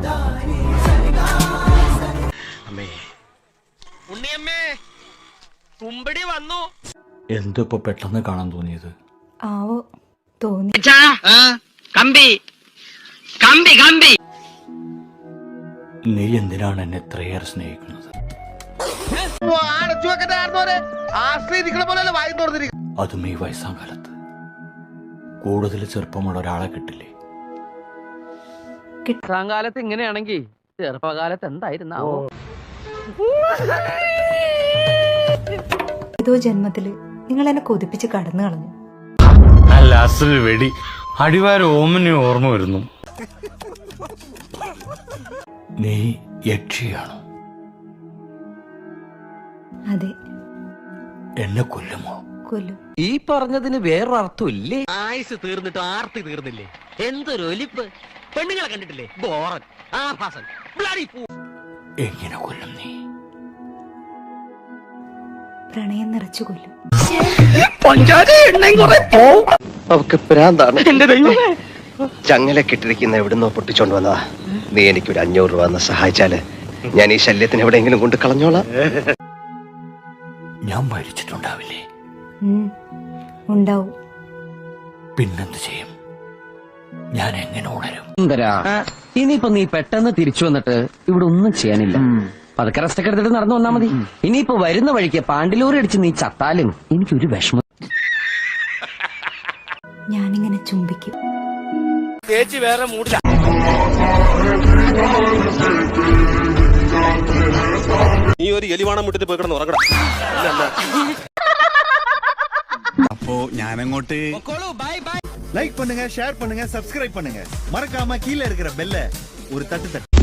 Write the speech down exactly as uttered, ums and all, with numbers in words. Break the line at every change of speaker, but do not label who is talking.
ഉണ്ണിയമ്മേ കുമ്പടി വന്നു.
എന്തിപ്പോ പെട്ടെന്ന് കാണാൻ തോന്നിയത്?
ആവോ തോന്നി.
കമ്പി കമ്പി കമ്പി
നീ എന്തിനാണ് എന്നെ ഇത്രയേറെ സ്നേഹിക്കുന്നത്? അതും ഈ വയസ്സാം കാലത്ത് കൂടുതൽ ചെറുപ്പമുള്ള ഒരാളെ കിട്ടില്ലേ?
കാലത്ത് ഇങ്ങനെയാണെങ്കിൽ ചെറുപ്പകാലത്ത് എന്തായിരുന്നാവോ?
ഏതോ ജന്മത്തില് നിങ്ങൾ എന്നെ കൊതിപ്പിച്ച് കടന്നു കളഞ്ഞു.
അല്ല അസൽ വെടി അടിവാര ഓമനെ ഓർമ്മ വരുന്നു.
നീ യക്ഷിയാണോ?
അതെ.
എന്നെ കൊല്ലുമോ?
കൊല്ലും.
ഈ പറഞ്ഞതിന് വേറൊരർത്ഥം ഇല്ലേ? ആയുസ് തീർന്നിട്ട് ആർത്തി തീർന്നില്ലേ? എന്തൊരു ഒലിപ്പ്! പെണ്ണുങ്ങളെ കണ്ടിട്ടില്ലേ? ബോറൻ, ആഭാസൻ, ബ്ലഡി ഫൂൾ.
എങ്ങനെ കൊല്ലും നീ?
പ്രണയം നിറച്ചു കൊല്ലും.
അവക്ക് പ്രാന്താണ്. ചങ്ങല കെട്ടിരിക്കുന്ന എവിടുന്നോ പൊട്ടിച്ചോണ്ട് വന്നതാ. നീ എനിക്കൊരു അഞ്ഞൂറ് രൂപ എന്ന് സഹായിച്ചാല് ഞാൻ ഈ ശല്യത്തിന് എവിടെയെങ്കിലും കൊണ്ട് കളഞ്ഞോളാം.
ഞാൻ മരിച്ചിട്ടുണ്ടാവില്ലേ?
ഉണ്ടാവും.
പിന്നെന്ത് ചെയ്യും? ഞാൻ എങ്ങനെ ഉണരും?
ഇനിയിപ്പോ നീ പെട്ടെന്ന് തിരിച്ചു വന്നിട്ട് ഇവിടെ ഒന്നും ചെയ്യാനില്ല. പതുക്കെ റെസ്റ്റൊക്കെ എടുത്തിട്ട് നടന്നു വന്നാ മതി. ഇനിയിപ്പോ വരുന്ന വഴിക്ക് പാണ്ടിലൂറി അടിച്ച് നീ ചത്താലും എനിക്കൊരു വിഷമം.
ഞാനിങ്ങനെ ചുംബിക്കും.
ചേച്ചി വേറെ മൂടില്ല.
നീ ഒരു എലിവാണം വിട്ടിട്ട് പോയി കിടന്ന് ഉറങ്ങണം.
அப்போ ஞானங்கோட்டு லைக் பண்ணுங்க, ஷேர் பண்ணுங்க, சப்ஸ்கிரைப் பண்ணுங்க. மறக்காம கீழே இருக்கிற பெல்ல ஒரு தட்டு தட்டு.